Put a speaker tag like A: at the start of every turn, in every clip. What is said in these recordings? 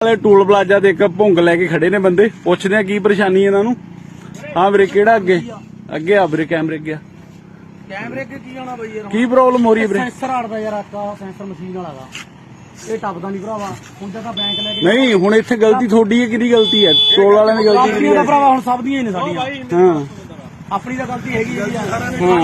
A: Toll plaza ਤੇ ਇੱਕ ਭੁੰਗ ਲੈ ਕੇ ਖੜੇ ਨੇ ਬੰਦੇ, ਪੁੱਛਦੇ ਆ ਕੀ ਪਰੇਸ਼ਾਨੀ ਇਹਨਾਂ ਨੂੰ। ਹਾਂ ਵੀਰੇ, ਕਿਹੜਾ ਅੱਗੇ ਅੱਗੇ ਆ ਵੀਰੇ, ਕੈਮਰੇ ਅੱਗੇ
B: ਕੈਮਰੇ ਅੱਗੇ ਕੀ ਆਉਣਾ ਬਈ ਯਾਰ,
A: ਕੀ ਪ੍ਰੋਬਲਮ ਹੋ ਰਹੀ ਹੈ ਵੀਰੇ?
B: ਸੈਂਸਰ ਅੜਦਾ ਯਾਰ, ਆਕਾ ਸੈਂਸਰ ਮਸ਼ੀਨ ਵਾਲਾ ਦਾ ਇਹ ਟੱਪਦਾ ਨਹੀਂ ਭਰਾਵਾ। ਹੁਣ ਤਾਂ ਬੈਂਕ ਲੈ ਕੇ
A: ਨਹੀਂ, ਹੁਣ ਇੱਥੇ ਗਲਤੀ ਤੁਹਾਡੀ ਹੈ, ਕਿਹਦੀ ਗਲਤੀ ਹੈ? ਟੋਲ ਵਾਲਿਆਂ ਦੀ ਗਲਤੀ ਕਿਹਦੀ ਹੈ?
B: ਭਰਾਵਾ ਹੁਣ ਸਭ ਦੀਆਂ ਹੀ ਨੇ ਸਾਡੀਆਂ।
A: ਹਾਂ,
B: ਆਪਣੀ ਤਾਂ ਗਲਤੀ ਹੈਗੀ ਹੈ ਯਾਰ,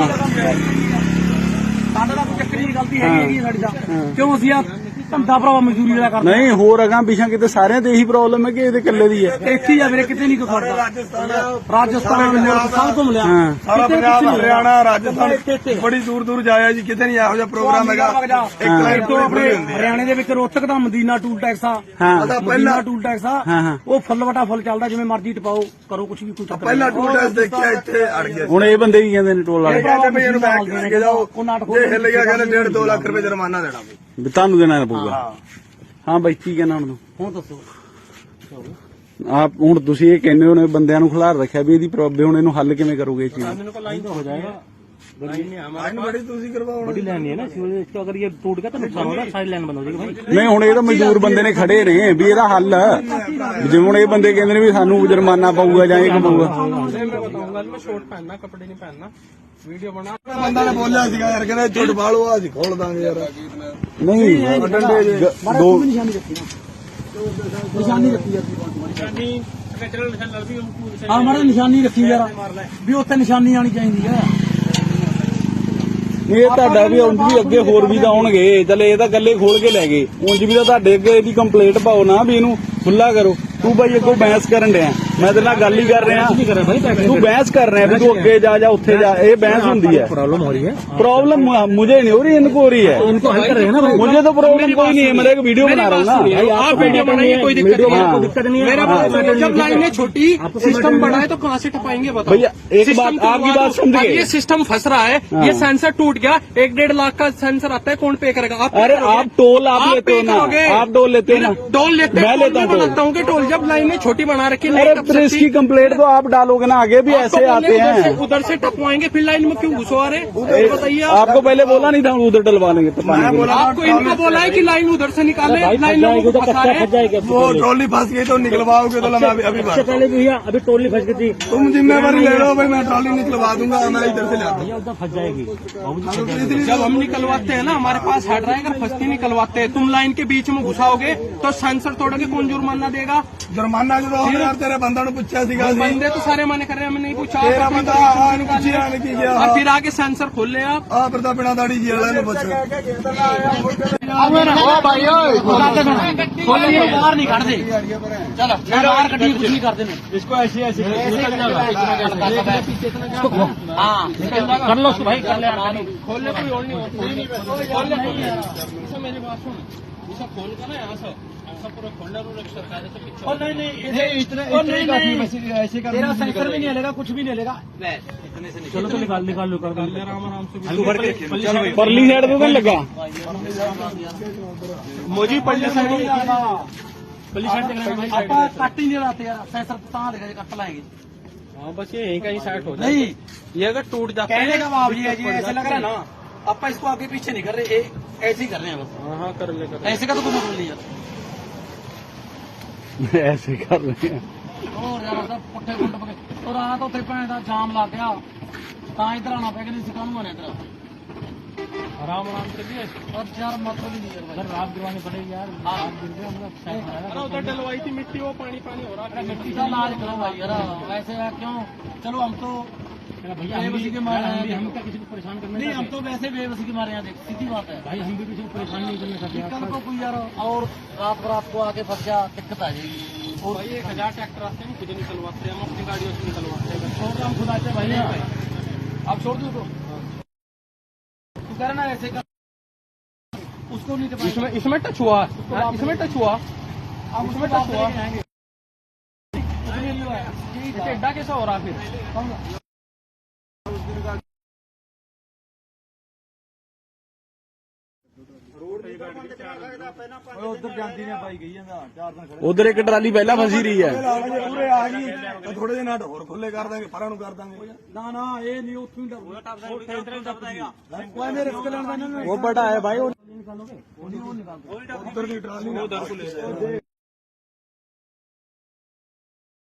B: ਸਾਡਾ ਤਾਂ ਕੋਈ ਚੱਕਰ ਨਹੀਂ, ਗਲਤੀ ਹੈਗੀ ਸਾਡੀ ਤਾਂ। ਕਿਉਂ ਅਸੀਂ ਆ ਧੰਦਾ ਭਰਾਵਾ ਮਜ਼ਦੂਰੀ ਵਾਲਾ ਕਰਦੇ?
A: ਨਹੀਂ, ਹੋਰ ਅਗਾਂ ਪਿਛਾਂ ਕਿਤੇ ਸਾਰਿਆਂ ਤੇ ਇਹੀ ਪ੍ਰੋਬਲਮ ਹੈ ਕਿ ਇਹਦੇ ਇਕੱਲੇ ਦੀ ਹੈ?
B: ਇੱਥੇ ਹੀ ਆ ਵੀਰੇ, ਕਿਤੇ ਨਹੀਂ ਕੋਈ ਖੜਦਾ। ਰਾਜਸਥਾਨ ਸਭ ਘੁੰਮ ਲਿਆ,
C: ਸਾਰਾ ਪੰਜਾਬ, ਹਰਿਆਣਾ, ਰਾਜਸਥਾਨ, ਬੜੀ ਦੂਰ ਦੂਰ ਜਾਇਆ ਜੀ, ਕਿਤੇ ਨਹੀਂ ਇਹੋ ਜਿਹਾ ਪ੍ਰੋਗਰਾਮ ਹੈਗਾ।
B: ਇੱਕ ਲਾਈਨ ਤੋਂ ਆਪਣੇ ਹਰਿਆਣੇ ਦੇ ਵਿੱਚ ਰੋਹਤਕ ਦਾ ਮਦੀਨਾ ਟੂਲ ਟੈਕਸ ਆ, ਪਹਿਲਾ ਟੂਲ ਟੈਕਸ ਆ, ਉਹ ਫੁੱਲ ਵਟਾ ਫੁੱਲ ਚੱਲਦਾ, ਜਿਵੇਂ ਮਰਜ਼ੀ ਟਪਾਓ ਕਰੋ, ਕੁਝ ਵੀ ਕੋਈ ਚੱਕਰ
C: ਪਹਿਲਾ ਟੂਲ ਟੈਕਸ ਦੇਖਿਆ, ਇੱਥੇ ਅੜ ਗਿਆ।
A: ਹੁਣ ਇਹ ਬੰਦੇ ਕੀ ਕਹਿੰਦੇ ਨੇ ਟੋਲ ਵਾਲੇ?
C: ਕਹਿੰਦੇ ਇਹਨੂੰ ਬੈਂਕ ਲੈ ਕੇ ਜਾਓ, ਜੇ ਹਿੱਲ ਗਿਆ ਕਹਿੰਦੇ 1.5-2 ਲੱਖ ਰੁਪਏ ਜੁਰਮਾਨਾ ਦੇਣਾ
A: ਵੀ ਤੁਹਾਨੂੰ ਦੇਣਾ ਪਊਗਾ। ਹਾਂ ਬਾਈ, ਕੀ ਕਹਿਣਾ ਹੁਣ?
B: ਹੁਣ ਦੱਸੋ
A: ਆਪ ਹੁਣ ਤੁਸੀਂ ਇਹ ਕਹਿੰਦੇ ਹੋ ਨੇ ਬੰਦਿਆਂ ਨੂੰ ਖਿਲਾਰ ਰੱਖਿਆ ਵੀ ਇਹਦੀ ਪ੍ਰੋਬਲਮ, ਹੁਣ ਇਹਨੂੰ ਹੱਲ ਕਿਵੇਂ ਕਰੋਗੇ ਇਹ ਚੀਜ਼?
B: लाइन तो हो जाएगा,
C: ਬੜੀ ਤੁਸੀਂ ਕਰਵਾਓ।
B: बड़ी लाइन है ना सिविल, इसको अगर ये टूट गया तो नुकसान होगा, सारी लाइन बंद हो जाएगी भाई।
A: ਨਹੀਂ, ਹੁਣ ਇਹ ਤਾਂ ਮਜ਼ਦੂਰ ਬੰਦੇ ਨੇ ਖੜੇ ਨੇ ਵੀ ਇਹਦਾ ਹੱਲ ਜਿਵੇਂ ਹੁਣ ਇਹ ਬੰਦੇ ਕਹਿੰਦੇ ਨੇ ਵੀ ਸਾਨੂੰ ਜੁਰਮਾਨਾ ਪਊਗਾ ਜਾਂ ਇਹ ਪਊਗਾ।
B: मैं बताऊंगा, मैं शॉर्ट पहनना, कपड़े नहीं पहनना, वीडियो बना।
C: ਬੰਦਾ ਨੇ ਬੋਲਿਆ ਸੀਗਾ ਯਾਰ, ਕਹਿੰਦੇ ਝੁੱਟ ਬਾਲੋ, ਅਸੀਂ ਖੋਲ ਦਾਂਗੇ ਯਾਰ।
A: ਨਹੀਂ, ਦੋ
B: निशानी रखी ना, निशानी रखी है, हाँ हमारे निशानी रखी यार, भी उत्थे निशानी आनी चाहिए है।
A: ਇਹ ਤੁਹਾਡਾ ਵੀ ਉਂਝ ਵੀ ਅੱਗੇ ਹੋਰ ਵੀ ਤਾਂ ਆਉਣਗੇ, ਚੱਲੇ ਇਹ ਤਾਂ ਗੱਲੇ ਖੋਲ ਕੇ ਲੈ ਗਏ, ਉਂਝ ਵੀ ਤਾਂ ਤੁਹਾਡੇ ਅੱਗੇ ਇਹਦੀ ਕੰਪਲੇਂਟ ਪਾਓ ਨਾ ਵੀ ਇਹਨੂੰ ਖੁੱਲਾ ਕਰੋ। ਤੂੰ ਬਾਈ ਅੱਗੋਂ ਬਹਿਸ ਕਰਨ ਡਿਆ, ਮੈਂ ਤੇਰੇ ਨਾਲ ਗੱਲ ਹੀ ਕਰ ਰਿਹਾ। ਤੂੰ बहस कर रहे हैं भी तू अगे जा उत्थे जा, ये बहस होती है।
B: प्रॉब्लम हो रही है,
A: प्रॉब्लम मुझे नहीं हो रही, इनको हो रही है।
B: इनको हल कर रहे हैं ना,
A: मुझे तो प्रॉब्लम कोई नहीं है, मैं एक वीडियो बना रहा हूँ ना।
B: आप वीडियो बनाइए, कोई दिक्कत नहीं है। मेरा जब लाइनें छोटी, सिस्टम बड़ा है तो कहाँ से टपाएंगे बताओ
A: भैया? एक बात आपकी बात समझ गए,
B: ये सिस्टम फंस रहा है, ये सेंसर टूट गया, 1-1.5 लाख का सेंसर आता है, कौन पे करेगा?
A: अरे आप टोल आप लेते हो ना, आप टोल लेते हो ना,
B: टोल लेते
A: मैं लेता हूँ।
B: लगता हूँ कि टोल जब लाइनें छोटी बना रखी,
A: अरे फिर इसकी कंप्लेंट तो आप डालोगे ना, आगे भी ऐसे आते हैं।
B: उधर से टपवाएंगे, फिर लाइन में क्यों घुसवा रहे? बताइए।
A: आपको पहले बोला नहीं था उधर डलवा लेंगे?
B: आपको इनको बोला है कि लाइन उधर से निकाले, लाइन लोगों को फंसा रहे।
C: वो ट्रॉली फंस गई तो निकलवाओगे तो मैं अभी
B: पहले भैया अभी ट्रॉली फंस गई थी,
C: तुम जिम्मेवारी ले लो भाई, मैं ट्रॉली निकलवा दूंगा, मैं इधर से लाता हूँ।
B: उधर फंस जाएगी। जब हम निकलवाते हैं ना, हमारे पास हेड रहेगा, फंसती निकलवाते हैं। तुम लाइन के बीच में घुसाओगे तो सेंसर तोड़ोगे, कौन जुर्माना देगा?
C: जुर्माना जो यार तेरे बंदा ने पूछा सीगा,
B: बंदे तो सारे मने कर रहे हैं, हमने नहीं पूछा।
C: तेरा बंदा पूछा नहीं किया,
B: और फिर आगे सेंसर खोल ले आप।
C: फिर तो बिना दाढ़ी जी वाला ने पूछा।
B: बाहर नहीं काट दे, चलो बाहर कटिंग कुछ नहीं करते, इसको ऐसे ऐसे कर लो उसको भाई, कर ले, खोलने कोई और नहीं होता, खोलने मेरी बात सुन, इसे खोल कर ना यहाँ से ऐसा पूरा खोलना सरकार से पीछे नहीं, ऐसे तेरा सेंसर भी नहीं लेगा, कुछ भी नहीं लेगा। चलो तो निकाल लो, कर दो आराम से।
A: परली साइड तो लगा
B: मोजी पल्ली साइड कट ही नहीं लाते यार, सेंसर कहाँ लेगा, कट लाएंगे। हाँ बस ये यहीं कहीं साइड हो जाए। नहीं, ये अगर टूट जाता है, कहने का भाव ये है जी, ऐसे लग रहा है ना, आप इसको आगे पीछे नहीं कर रहे, ऐसे ही कर रहे हैं बस। हाँ कर ले, ऐसे का तो कोई मतलब नहीं है,
A: ऐसे कर रहे हैं।
B: और ज्यादा पुट्ठे गुंड पके और आ तो उत्थे भैन दा जाम लग गया, तां इधर आना पै गया, सिकानू आने इधर आराम से भी और यार मतलब ही नहीं है भाई, रात गिरवानी पड़ेगी यार। आप गिर गए हम लोग, उधर डलवाई थी मिट्टी, वो पानी हो रहा है, मिट्टी का इलाज करो भाई यार, वैसे क्यों? चलो हम तो भैया बेबसी के मारे हैं, हम क्या किसी को परेशान करने नहीं, हम तो वैसे बेबसी के मारे हैं, देख सीधी बात है भाई, हम भी किसी को परेशान नहीं करने सकते। कल को कोई यार और रात को आके फंस गया, दिक्कत आ जाएगी। और भाई 1000 ट्रैक्टर आते हैं, खुद निकलवाते हैं, हम अपनी गाड़ियों से निकलवाते हैं, छोड़ हम खुद आते हैं भाई, आप छोड़ दो तो तू करना ऐसे कर, उसको नहीं इसमें टच हुआ, इसमें टच हुआ, आप उसमें टच हुआ, टेढ़ा कैसा हो रहा फिर?
C: उधर जाती ने पाई गई है, 4 दिन
A: उधर एक ट्राली पहला फंसी रही है,
C: पूरे आ गई, थोड़े दिन और खुले कर देंगे, पਰਾਂ ਨੂੰ ਕਰ ਦਾਂਗੇ।
B: ना ये नहीं, उत्थों ही
A: वो बड़ा है भाई।
B: निकालोगे,
C: उधर की ट्राली उधर को ले जाए।